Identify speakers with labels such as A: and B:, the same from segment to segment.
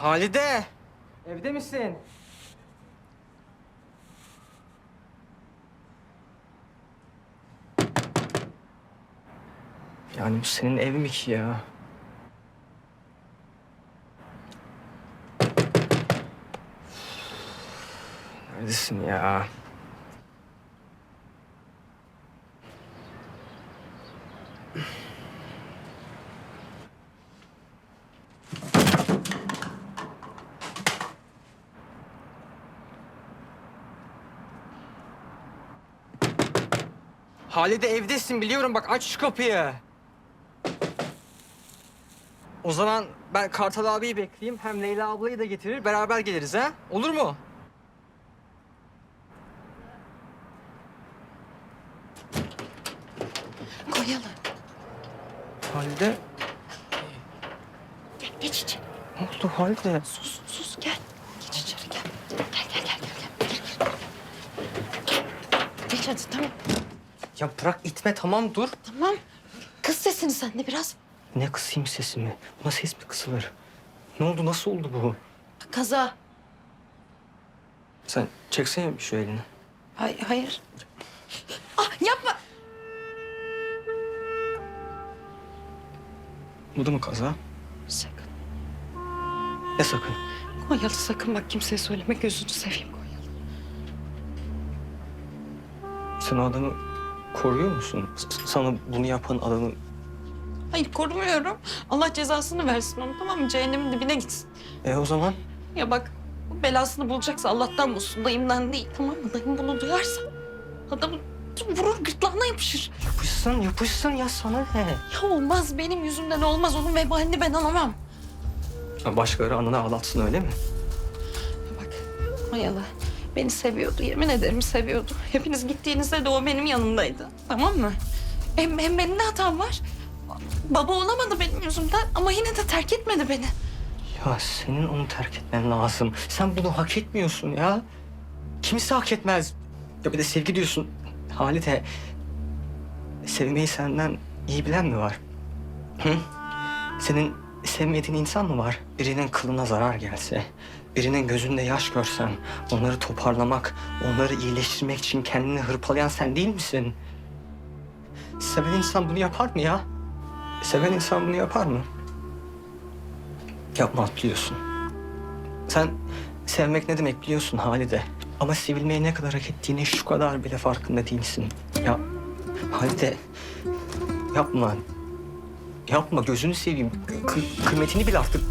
A: Halide! Evde misin? Yani bu senin ev mi ki ya? Neredesin ya? Halide evdesin biliyorum, bak aç şu kapıyı. O zaman ben Kartal abiyi bekleyeyim. Hem Leyla ablayı da getirir, beraber geliriz ha? Olur mu?
B: Koyalım.
A: Halide,
B: Gel geç içeri.
A: ne oldu Halide?
B: Sus gel. Geç içeri gel. Gel. Geç hadi tamam.
A: Ya bırak itme, tamam dur.
B: Tamam. Kız sesini sen de biraz.
A: Ne kısayım sesimi? Buna ses mi kısılır? Ne oldu, nasıl oldu bu?
B: Kaza.
A: Sen çeksene bir şu elini.
B: Hayır. Ah yapma.
A: Bu da mı kaza?
B: Sakın.
A: Ne sakın?
B: Konyalı sakın bak kimseye söyleme gözünü seveyim Konyalı.
A: Sen o adamı koruyor musun? Sana bunu yapan adamı...
B: Hayır korumuyorum. Allah cezasını versin onu tamam mı? Cehennemin dibine gitsin.
A: O zaman?
B: Ya bak bu belasını bulacaksa Allah'tan bulsun dayımdan değil tamam mı? Dayım bunu duyarsa adamı vurur gırtlağına yapışır.
A: Yapışsın ya, sana ne?
B: Ya olmaz benim yüzümden olmaz onun vebalini ben alamam.
A: Ha, başkaları ananı ağlatsın öyle mi?
B: Ya bak Mayalı beni seviyordu yemin ederim seviyordu. Hepiniz gittiğinizde de o benim yanımdaydı tamam mı? Hem benim ne hatam var? Baba olamadı benim yüzümden ama yine de terk etmedi beni.
A: Ya senin onu terk etmen lazım. Sen bunu hak etmiyorsun ya. Kimse hak etmez. Ya bir de sevgi diyorsun. Halide, sevmeyi senden iyi bilen mi var? Hı? Senin sevmediğin insan mı var? Birinin kılına zarar gelse, birinin gözünde yaş görsen, onları toparlamak, onları iyileştirmek için kendini hırpalayan sen değil misin? Seven insan bunu yapar mı ya? Seven insan bunu yapar mı? Yapmaz biliyorsun. Sen sevmek ne demek biliyorsun Halide. Ama sevilmeyi ne kadar hak ettiğini şu kadar bile farkında değilsin. Ya Halide, yapma. Yapma, gözünü seveyim. Kıymetini bil artık.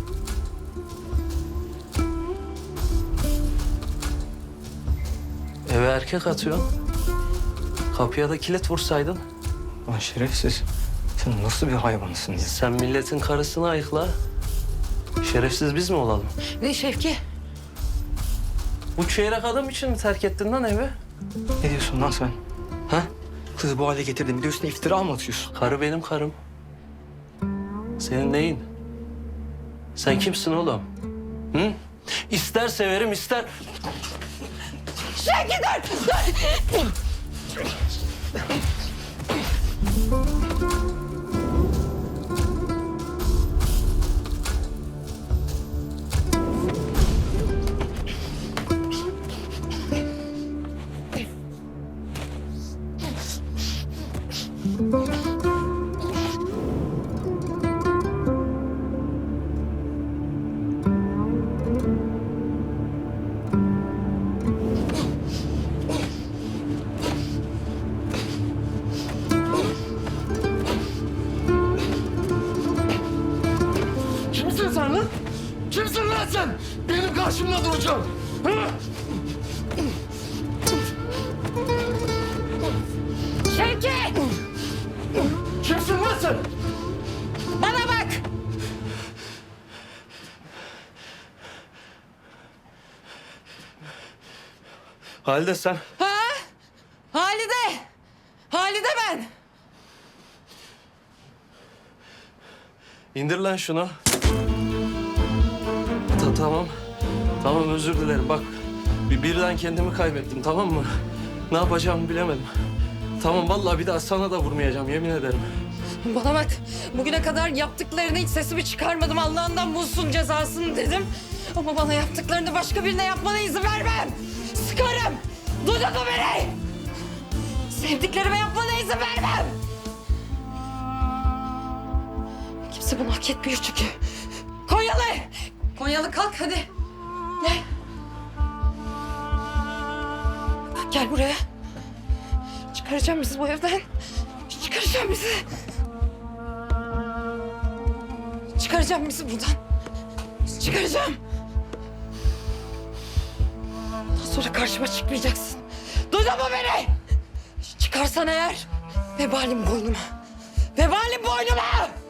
C: Eve erkek atıyorsun. Kapıya da kilit vursaydın.
A: Lan şerefsiz. Sen nasıl bir hayvansın ya?
C: Sen milletin karısını ayıkla. Şerefsiz biz mi olalım?
B: Ne Şevki?
C: Bu çeyrek adam için mi terk ettin lan evi?
A: Ne diyorsun lan sen? Ha? Kızı bu hale getirdin. Bir de üstüne iftira mı atıyorsun?
C: Karı benim karım. Senin neyin? Sen kimsin oğlum? Hı? İster severim ister...
B: Şevki dur!
D: Kimsin sen lan? Kimsin lan sen? Benim karşımda duracaksın. Ha?
B: Şevki!
D: Kimsin lan sen?
B: Bana bak!
C: Halide sen...
B: Ha? Halide! Halide ben!
C: İndir lan şunu. Tamam. Tamam özür dilerim. Bak birden kendimi kaybettim tamam mı? Ne yapacağımı bilemedim. Tamam vallahi bir daha sana da vurmayacağım yemin ederim.
B: Bana bak, bugüne kadar yaptıklarını hiç sesimi çıkarmadım. Allah'ından bulsun cezasını dedim. Ama bana yaptıklarını başka birine yapmana izin vermem. Sıkarım. Duydun mu beni? Sevdiklerime yapmana izin vermem. Kimse bunu hak etmiyor çünkü. Konyalı! Konyalı kalk hadi. Gel. Gel buraya. Çıkaracağım bizi bu evden. Çıkaracağım bizi. Çıkaracağım bizi buradan. Çıkaracağım. Bundan sonra karşıma çıkmayacaksın. Duydun mu beni? Çıkarsan eğer vebalim boynuma. Vebalim boynuma!